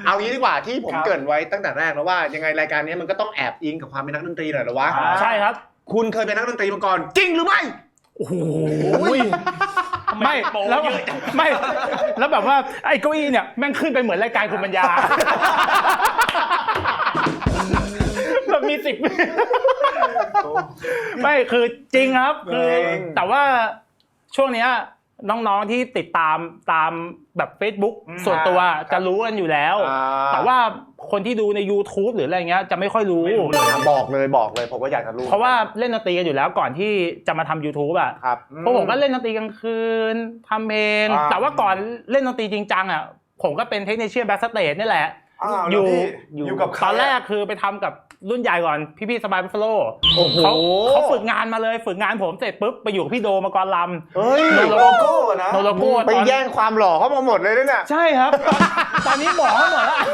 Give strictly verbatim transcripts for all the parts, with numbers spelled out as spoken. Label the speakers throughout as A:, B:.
A: เอางี้ดีกว่าที่ผมเกริ่นไว้ตั้งแต่แรกแล้วว่ายังไงรายการนี้มันก็ต้องแอบอิงกับความเป็นนักดนตรีหน่อยหรอวะ
B: ใช่ครับ
A: คุณเคยเป็นนักดนตรีมาก่อนจริงหรือไม่
B: โอ้โหไม่แล้วไม่แล้วแบบว่าไอ้เก้าอี้เนี่ยแม่งขึ้นไปเหมือนรายการคุณปัญญาแบบมีสิบไม่คือจริงครับคือแต่ว่าช่วงเนี้ยน้องๆที่ติดตามตามแบบ Facebook ส่วนตัวจะรู้กันอยู่แล้วแต่ว่าคนที่ดูใน YouTube หรืออะไรเงี้ยจะไม่ค่อยรู้
A: บอกเลยบอกเลยผมก็อยากจะรู้
B: เพราะว่าเล่นดนตรีกันอยู่แล้วก่อนที่จะมาทำ YouTube อ่ะเพราะผมก็เล่นดนตรีกลางคืนทำเพลงแต่ว่าก่อนเล่นดนตรีจริงจังอ่ะผมก็เป็นเทคนิคเชียนแบ็คสเตจนี่แหละอยู่อยู่กับตอนแรกคือไปทำกับรุ่นใหญ่ก่อนพี่ๆสบายบัฟฟาโลเขาเขาฝึกงานมาเลยฝึกงานผมเสร็จปุ๊บไปอยู่กับพี่โดมากรลำ
A: เฮ้ย
C: โลโก้นะ
B: โลโก้
A: ไปแย่งความหล่อเขามาหมดเลยเนี่ย
B: ใช่ครับตอนนี้หมอเขาหมดแล้ว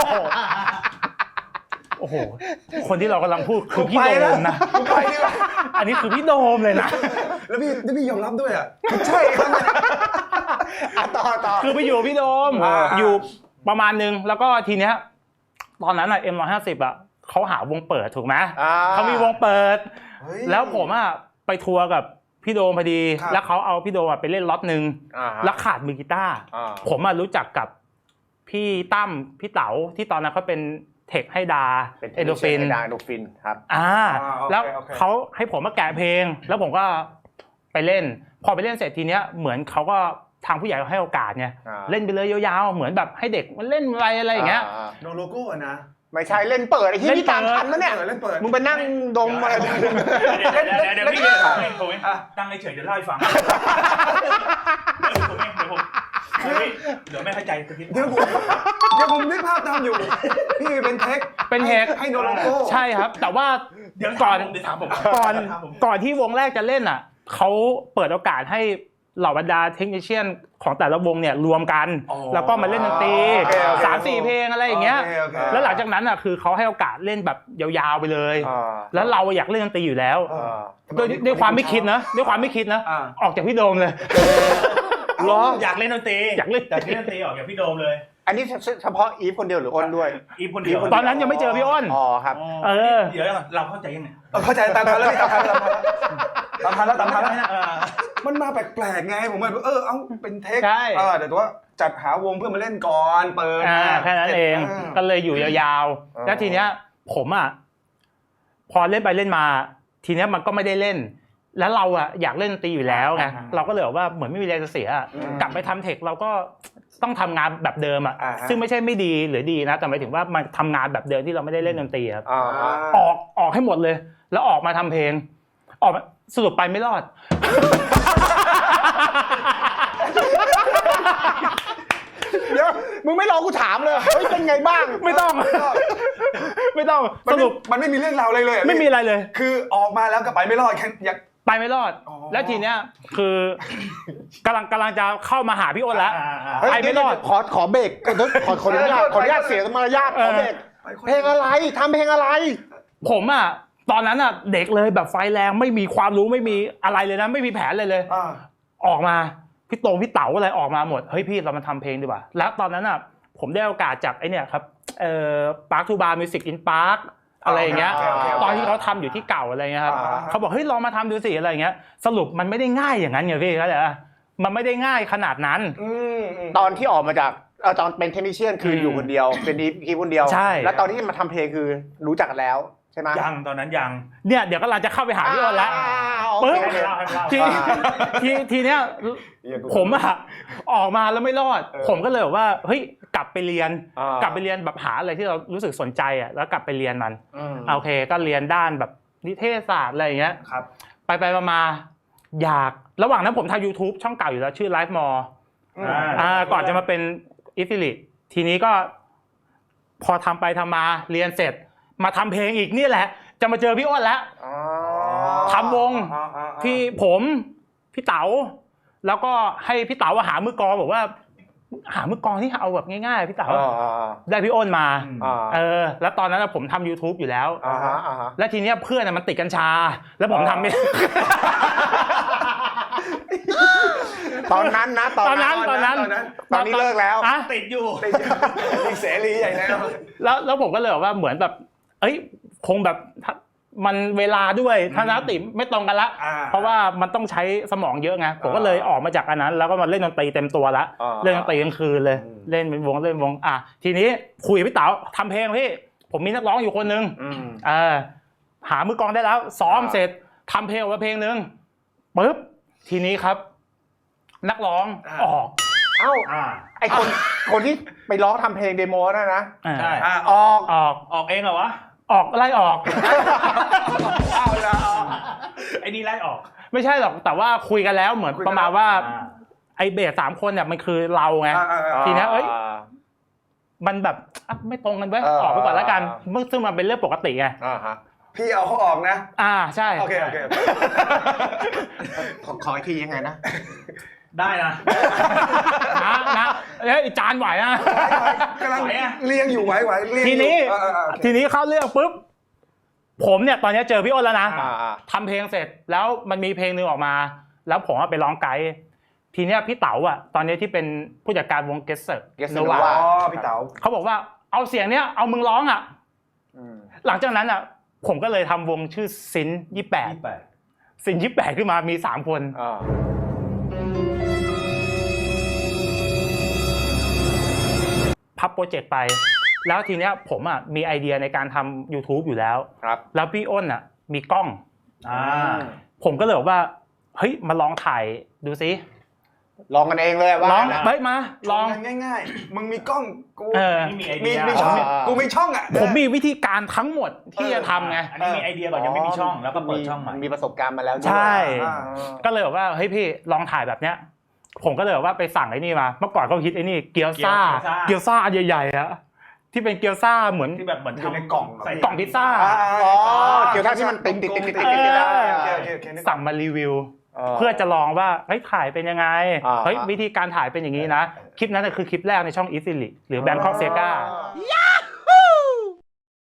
B: โอ้โหคนที่เรากำลังพูดคือพี่โดมนะอันนี้คือพี่โดมเลยนะ
C: แล้วพี่พี่ยอมรับด้วยอ่ะใช่ครับ
A: ต่อต่อ
B: คือไปอยู่พี่โดมอยู่ประมาณนึงแล้วก็ทีเนี้ยตอนนั้นอ่ะ เอ็ม หนึ่งร้อยห้าสิบ อ่ะเขาหาวงเปิดถูกไหมเขามีวงเปิดแล้วผมอ่ะไปทัวร์กับพี่โดมพอดีแล้วเขาเอาพี่โดมไปเล่นล็อตนึงแล้วขาดมือกีตาร์ผมอ่ะรู้จักกับพี่ตั้มพี่เต๋าที่ตอนนั้นเขาเป็นเทคให้ดา
A: เอโดฟินดาเอโดฟินครับ
B: อ่าแล้วเขาให้ผมมาแกะเพลงแล้วผมก็ไปเล่นพอไปเล่นเสร็จทีเนี้ยเหมือนเขาก็ทางผู้ใหญ่ให้โอกาสไงเล่นไปเลยยาวๆเหมือนแบบให้เด็กมันเล่นอะไรอะไรอย่างเงี้ย
C: โนโลโก้นะ
A: ไม่ใช่เล่นเปิดไอ้ที่พี่ตามทันมั้ยเนี่ยมึงไปนั่งดมอะไร
D: เดี๋ยวเดี๋ยวพี่ผมเองตั้งเฉยๆเดี๋ยวเล่าให้ฟังเดี๋ยวผมเองเดี๋ยวผมเดี๋ยวไม่เข้าใจสักที
C: เดี๋ยวผมเดี๋ยวผมนึกภาพตามอยู่พี่เป็นเทค
B: เป็นเทค
C: ให้โนโลโก้
B: ใช่ครับแต่ว่าเดี๋ยวก่อนก่อนก่อนที่วงแรกจะเล่นอ่ะเขาเปิดโอกาสให้เหล่าบรรดาเทคนิคเชียนของแต่ละวงเนี่ยรวมกันแล้วก็มาเล่นดนตรี สามสี่ เพลงอะไรอย่างเงี้ยแล้วหลังจากนั้นอ่ะคือเขาให้โอกาสเล่นแบบยาวๆไปเลยแล้วเราอยากเล่นดนตรีอยู่แล้วด้วยด้วยความไม่คิดนะด้วยความไม่คิดนะออกจากพี่โดมเลย
D: รออยากเล่นดนตรี
B: อยากเล่น
D: อยากเล่นดนตรีออกจากพี่โดมเลย
A: อันนี้เฉพาะอีฟคนเดียวหรืออ้นด้วย
D: อีฟคนเดียว
B: ตอนนั้นยังไม่เจอพี่อ้น
A: อ๋อครับ
B: เออ
D: เดี๋ยวเราเข้าใจยังไง
C: เข้าใจตามทันแล้วตามทันแล้วตามทันแล้วตามทันแล้วมันมาแปลกๆไงผมแบบเออเอ้าเป็นเทคเออเดี๋ยวว่าจัดหาวงเพื่อมาเล่นก่อนเปิด
B: แค่นั้นเองก็เลยอยู่ยาวๆแล้วทีเนี้ยผมอ่ะพอเล่นไปเล่นมาทีเนี้ยมันก็ไม่ได้เล่นแล้วเราอ่ะอยากเล่นดนตรีอยู่แล้วไงเราก็เลยว่าเหมือนไม่มีแรงจะเสียกลับไปทำเทคเราก็ต้องทำงานแบบเดิมอ่ะซึ่งไม่ใช่ไม่ดีหรือดีนะแต่หมายถึงว่ามันทำงานแบบเดิมที่เราไม่ได้เล่นดนตรีครับออกออกให้หมดเลยแล้วออกมาทำเพลงออกสรุปไปไม่รอด
A: เดี๋ยวมึงไม่รอกูถามเลยเฮ้ยเป็นไงบ้าง
B: ไม่ต้องไม่ต้องสรุป
C: มันไม่มีเรื่องราวอะไรเลย
B: ไม่มีอะไรเลย
C: คือออกมาแล้วก็ไปไม่รอดแค่อยาก
B: ไปไม่รอดแล้วทีเนี้ยคือกำลังกำลังจะเข้ามาหาพี่อ้นแล้วไปไม่รอด
A: ขอขอเบรกขอขออนุญาตขออนุญาตเสียมารยาทขอเบรกเพลงอะไรทำเพลงอะไร
B: ผมอ่ะตอนนั้นอ่ะเด็กเลยแบบไฟแรงไม่มีความรู้ไม่มีอะไรเลยนะไม่มีแผนเลยเลยออกมาพี่โตพี่เต๋าอะไรออกมาหมดเฮ้ยพี่เรามาทำเพลงดีกว่าแล้วตอนนั้นอ่ะผมได้โอกาสจากไอ้เนี่ยครับเอ่อ Park to Bar Music in Park อะไรอย่างเงี้ยตอนที่เขาทำอยู่ที่เก่าอะไรเงี้ยครับเขาบอกเฮ้ยลองมาทำดูสิอะไรอย่างเงี้ยสรุปมันไม่ได้ง่ายอย่างนั้นไงพี่เข้าใจป่ะมันไม่ได้ง่ายขนาดนั้น
A: ตอนที่ออกมาจากตอนเป็นเทคนิคเชียนคืออยู่คนเดียวเป็นดีคนเดียวแล้วตอนที่มาทำเพลงคือรู้จักกันแล้วใช่ไหม
D: ยังตอนนั้นยัง
B: เนี่ยเดี๋ยวก็เราจะเข้าไปหาพี่อ้นแล้วปึ๊บทีทีทีเนี้ยผมอะออกมาแล้วไม่รอดผมก็เลยบอกว่าเฮ้ยกลับไปเรียนกลับไปเรียนแบบหาอะไรที่เรารู้สึกสนใจอะแล้วกลับไปเรียนมันโอเคก็เรียนด้านแบบนิเทศศาสตร์อะไรอย่างเงี้ยไปไปมาอยากระหว่างนั้นผมทำ YouTube ช่องเก่าอยู่แล้วชื่อ Live More อ่าก่อนจะมาเป็น Affiliate ทีนี้ก็พอทำไปทำมาเรียนเสร็จมาทำเพลงอีกนี่แหละจะมาเจอพี่อ้นแล้วทำวงที่ผมพี่เต๋าแล้วก็ให้พี่เต๋าหามือกลองบอกว่าหามือกลองที่เอาแบบง่ายๆพี่เต๋าได้พี่อ้นมาเออแล้วตอนนั้นผมทำ YouTube อยู่แล้วแล้วทีเนี้ยเพื่อนมันติดกัญชาแล้วผมทำไม่
A: ตอนนั้นนะตอนนั้น
B: ตอนนั้น
A: ตอนนี้เลิกแล้ว
B: อ่ะ
D: ติดอยู่
C: ติดติดเสรีใหญ่แล้ว
B: แล้วแล้วผมก็เลยแบบว่าเหมือนแบบ เอ้ยคงแบบมันเวลาด้วยทัศนคติไม่ตรงกันละเพราะว่ามันต้องใช้สมองเยอะไงผมก็เลยออกมาจากอันนั้นแล้วก็มาเล่นดนตรีเต็มตัวละเล่นดนตรีกลางคืนเลยเล่นเป็นวงเล่นวงอ่ะทีนี้คุยกับพี่เต๋าทำเพลงพี่ผมมีนักร้องอยู่คนนึงเออหามือกลองได้แล้วซ้อมเสร็จทำเพลงออกมาเพลงนึงปึ๊บทีนี้ครับ นักร้องออก
A: เอ้าไอคนคนที่ไปร้องทำเพลงเดโมนั่นนะ
D: ใช่
A: ออก
B: ออก
D: ออกเองเหรอวะ
B: ออกไล่ออก
C: เอาละ
D: ไอ้นี่ไล่ออก
B: ไม่ใช่หรอกแต่ว่าคุยกันแล้วเหมือนประมาณว่าไอเบสสามคนเนี่ยมันคือเราไงทีนี้เอ้ยมันแบบไม่ตรงกันเว้ยออกไปก่อนแล้วกันซึ่งมันเป็นเรื่องปกติไง
C: พี่เอาเขาออกนะ
B: อ่าใช่
C: โอเคโอเค
A: ขอขออีกทียังไงนะ
D: ได้นะ
B: นะนะเอ้ยจานไหวนะ
C: กำลังเลี้ยงอยู่ไหวไหว
B: ทีนี้ทีนี้เข้าเรื่องปุ๊บผมเนี่ยตอนนี้เจอพี่อ้นแล้วนะทำเพลงเสร็จแล้วมันมีเพลงนึงออกมาแล้วผมไปร้องไกด์ทีเนี้ยพี่เต๋าอ่ะตอนนี้ที่เป็นผู้จัดการวงเกสเซอร์โนวา
C: อ๋อพี่เต๋า
B: เขาบอกว่าเอาเสียงเนี้ยเอามึงร้องอ่ะหลังจากนั้นอ่ะผมก็เลยทำวงชื่อซินยี่แปดซินยี่แปดขึ้นมามีสามคนพับโปรเจกต์ไปแล้วทีเนี้ยผมอ่ะมีไอเดียในการทำ YouTube อยู่แล้วแล้วพี่อ้นอ่ะมีกล้องผมก็เลยบอกว่าเฮ้ยมาลองถ่ายดูซิ
A: ลองกันเองเลยว่า
B: ลองเฮ้ยมาลอง
C: ง่ายๆมึงมีกล้องกู
D: มีไอเดีย
C: มีช่องกูมีช่องอ่ะ
B: ผมมีวิธีการทั้งหมดที่จะทำไง
D: อันนี้มีไอเดียก่อนยังไม่มีช่องแล้วก็เปิดช่องใหม่
A: มีประสบการณ์มาแล้ว
B: ใช่ก็เลยบอกว่าเฮ้ยพี่ลองถ่ายแบบเนี้ยผมก็เลยบอกว่าไปสั่งไอ้นี่มาเมื่อก่อนก็ฮิตไอ้นี่เกี๊ยวซ่าเกี๊ยวซ่าอันใหญ่ๆอะที่เป็นเกี๊ยวซ่าเหมือน
D: ที่แบบเหมือนทำ
C: ในกล่อง
D: ใส่
B: กล่องพิซซ่า
A: อ๋อเกี๊ยวซ่าที่มันติดติดติดติดติดได้
B: สั่งมารีวิวเพื่อจะลองว่าเฮ้ยถ่ายเป็นยังไงเฮ้ยวิธีการถ่ายเป็นอย่างนี้นะคลิปนั้นคือคลิปแรกในช่องอีซิลิหรือแบงคอกเซกา